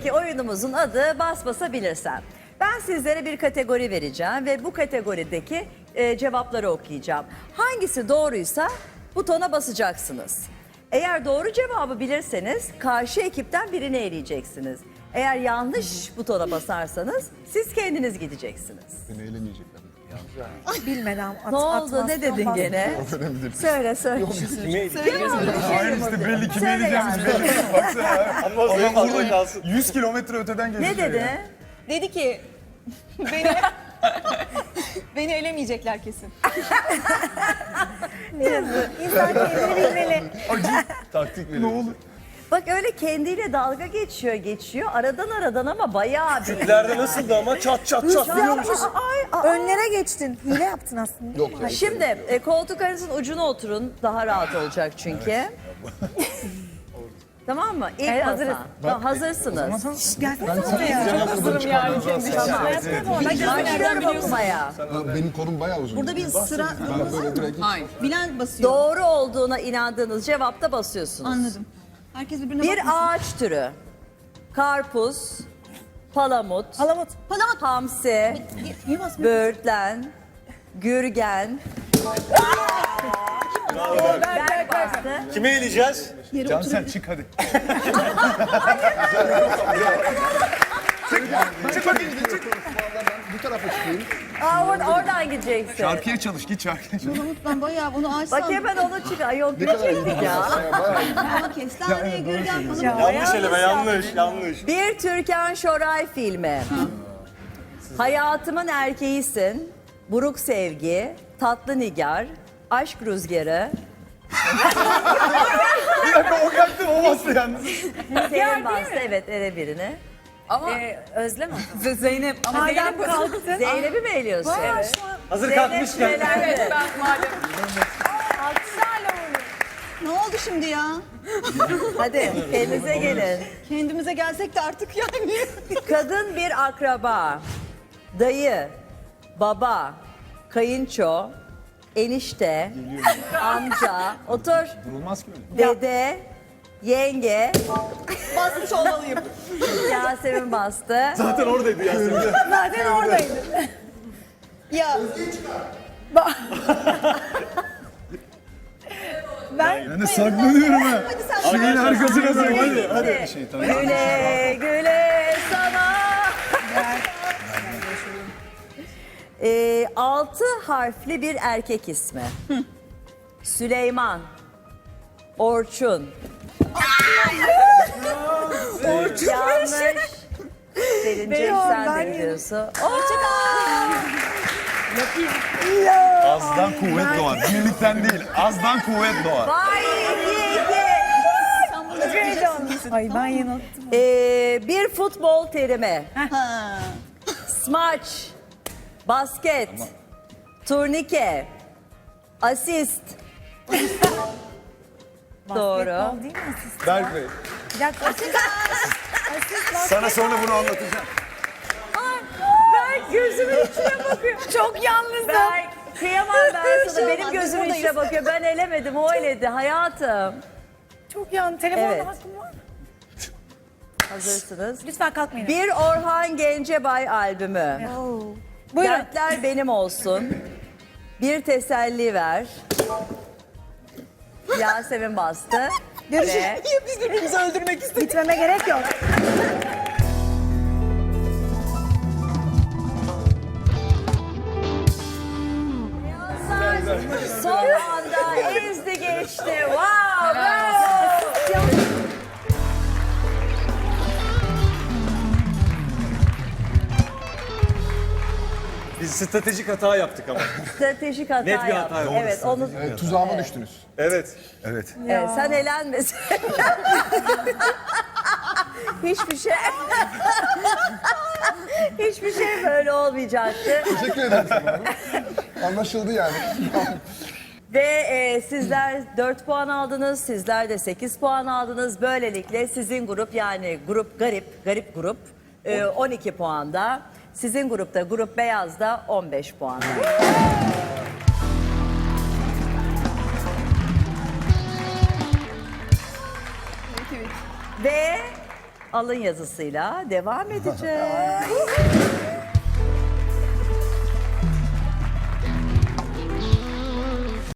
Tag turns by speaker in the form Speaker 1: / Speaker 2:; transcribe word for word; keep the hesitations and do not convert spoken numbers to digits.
Speaker 1: Bugünkü oyunumuzun adı Bas Basa Bilirsen. Ben sizlere bir kategori vereceğim ve bu kategorideki e, cevapları okuyacağım. Hangisi doğruysa butona basacaksınız. Eğer doğru cevabı bilirseniz karşı ekipten birini eleyeceksiniz. Eğer yanlış butona basarsanız siz kendiniz gideceksiniz.
Speaker 2: Beni eğlenmeyecekler.
Speaker 3: Bilmeden at,
Speaker 1: Ne oldu?
Speaker 3: atmazsan
Speaker 1: Ne dedin
Speaker 3: bas.
Speaker 1: gene? Söyle söyle.
Speaker 2: Hayır işte belli kimi
Speaker 1: Söyle
Speaker 2: eleyeceğimiz
Speaker 1: yani.
Speaker 2: belli. Baksana ya.
Speaker 4: Ama o zaman
Speaker 2: Adam
Speaker 4: fazla
Speaker 2: burada
Speaker 4: kalsın.
Speaker 2: yüz kilometre öteden
Speaker 1: Ne
Speaker 2: gözüküyor
Speaker 1: dedi?
Speaker 2: ya.
Speaker 5: Dedi ki beni beni elemeyecekler kesin.
Speaker 3: İnsan kendini bilmeli.
Speaker 2: Acı taktik veriyor. Ne olur?
Speaker 1: Bak öyle kendiyle dalga geçiyor geçiyor. Aradan aradan ama bayağı bir.
Speaker 4: Türklerde nasıldı ama çat çat çat biliyor musun?
Speaker 3: Önlere geçtin. Hile yaptın aslında.
Speaker 2: Yok ya.
Speaker 1: Şimdi e, koltuk arasının ucuna oturun. Daha rahat olacak çünkü. Tamam mı? İlk
Speaker 3: Evet,
Speaker 1: masa.
Speaker 3: hazırız.
Speaker 1: Tamam, hazırsınız.
Speaker 3: Gelsene buraya.
Speaker 2: Hazırım yani kendi
Speaker 1: Başlıyorum okumaya.
Speaker 2: Benim kolum bayağı uzun.
Speaker 5: Burada bir sıra
Speaker 2: Ben böyle direkt hiç...
Speaker 5: bilen basıyor.
Speaker 1: Doğru olduğuna inandığınız cevapta basıyorsunuz.
Speaker 5: Anladım. Herkes birbirine
Speaker 1: Bir
Speaker 5: bakmasın.
Speaker 1: ağaç türü. Karpuz, palamut,
Speaker 3: Palamut.
Speaker 5: Palamut.
Speaker 1: hamsi,
Speaker 5: Niye basmıyor?
Speaker 1: böğürtlen, gürgen. Berk bastı.
Speaker 4: Kime eleyeceğiz?
Speaker 2: Can sen çık hadi. Çık bakayım çık. Bu tarafa çıkayım.
Speaker 1: Aa, or- oradan gideceksin.
Speaker 2: Şarkıya çalış git şarkıya çalış.
Speaker 5: Palamut ben bayağı bunu ağaç
Speaker 1: Bak
Speaker 5: sandım.
Speaker 1: hemen onu çık. Ay yok
Speaker 2: Ne kadar iyi
Speaker 1: gidecektik ya.
Speaker 2: Bayağı iyi.
Speaker 5: Ama kestane, gürgen falan.
Speaker 4: Yanlış eleme yanlış yanlış.
Speaker 1: Bir Türkan Şoray filmi. Hayatımın erkeğisin, buruk sevgi, tatlı nigar, aşk rüzgarı,
Speaker 2: Bir dakika o geldi o bastı yalnız.
Speaker 1: senin bastı evet ele birini.
Speaker 3: Ama Özlem mi?
Speaker 5: Zeynep. Ama
Speaker 3: Madem kalktın.
Speaker 1: Zeynep'i mi eliyorsun? Evet.
Speaker 4: hazır
Speaker 1: Zeynep
Speaker 4: kalkmışken.
Speaker 1: elendi.
Speaker 5: Ne oldu şimdi ya?
Speaker 1: Hadi kendinize gelin.
Speaker 5: Kendimize gelsek de artık yani.
Speaker 1: Kadın bir akraba, dayı, baba, kayınço, enişte, amca, otur,
Speaker 2: Durulmaz ki öyle.
Speaker 1: dede, yenge,
Speaker 5: Basmış olmalıyım.
Speaker 1: Yasemin bastı.
Speaker 4: Zaten oradaydı Yasemin.
Speaker 3: Zaten oradaydı.
Speaker 5: Ya
Speaker 3: Ben
Speaker 2: Ben de saklanıyorum ha.
Speaker 5: hadi sen
Speaker 2: Şeyin arkasına saklan.
Speaker 1: Hadi,
Speaker 2: Hadi. Şey, tamam.
Speaker 1: Güle güle sana. Ee, altı harfli bir erkek ismi. Süleyman, Orçun. Orçun. Yanlış. Selin'ciğim
Speaker 3: Benim,
Speaker 1: sen
Speaker 3: ben
Speaker 1: de
Speaker 3: yedim.
Speaker 1: biliyorsun.
Speaker 2: Azdan kuvvet doğar. Birlikten değil. Azdan kuvvet doğar.
Speaker 1: Vay yedi.
Speaker 3: Ay ben yanılttım.
Speaker 1: Ee, bir futbol terimi.
Speaker 5: Ha.
Speaker 1: Smaç, basket, turnike, asist. Doğru.
Speaker 3: Basketbol değil mi asist?
Speaker 2: Berk Bey.
Speaker 3: Bir dakika asist. Asist basket.
Speaker 2: Sana sonra bunu anlatacağım.
Speaker 1: Ben gözümün içine bakıyor.
Speaker 3: Çok yalnızım.
Speaker 1: Ben kıyamam ben sana.
Speaker 5: şey
Speaker 1: Benim
Speaker 5: olmaz,
Speaker 1: gözümün
Speaker 5: biz
Speaker 1: içine bakıyor. Ben elemedim, o eledi hayatım.
Speaker 3: Çok yalnız. Telefonda
Speaker 1: Evet.
Speaker 3: hakkım var mı?
Speaker 1: Hazırsınız.
Speaker 3: Lütfen kalkmayın.
Speaker 1: Bir Orhan Gencebay albümü.
Speaker 3: Buyurun.
Speaker 1: Dertler benim olsun. Bir teselli ver. Yasemin bastı. Ve
Speaker 5: Niye biz birbirimizi öldürmek istedik?
Speaker 3: Gitmeme gerek yok.
Speaker 1: son anda ezdi geçti. Wow, bravo.
Speaker 4: Biz stratejik hata yaptık ama.
Speaker 1: Stratejik hata
Speaker 4: Net bir hata
Speaker 1: yaptı.
Speaker 4: oldu.
Speaker 1: Evet, onu
Speaker 2: Evet, tuzağıma düştünüz.
Speaker 4: Evet.
Speaker 2: Evet.
Speaker 1: evet, sen elenmesin. Hiçbir şey Hiçbir şey böyle olmayacaktı.
Speaker 2: Teşekkür ederim sana. Anlaşıldı yani.
Speaker 1: Ve e, sizler dört puan aldınız, sizler de sekiz puan aldınız. Böylelikle sizin grup yani grup garip, garip grup e, on iki puanda. Sizin grupta grup beyazda on beş puan. Ve alın yazısıyla devam edeceğiz.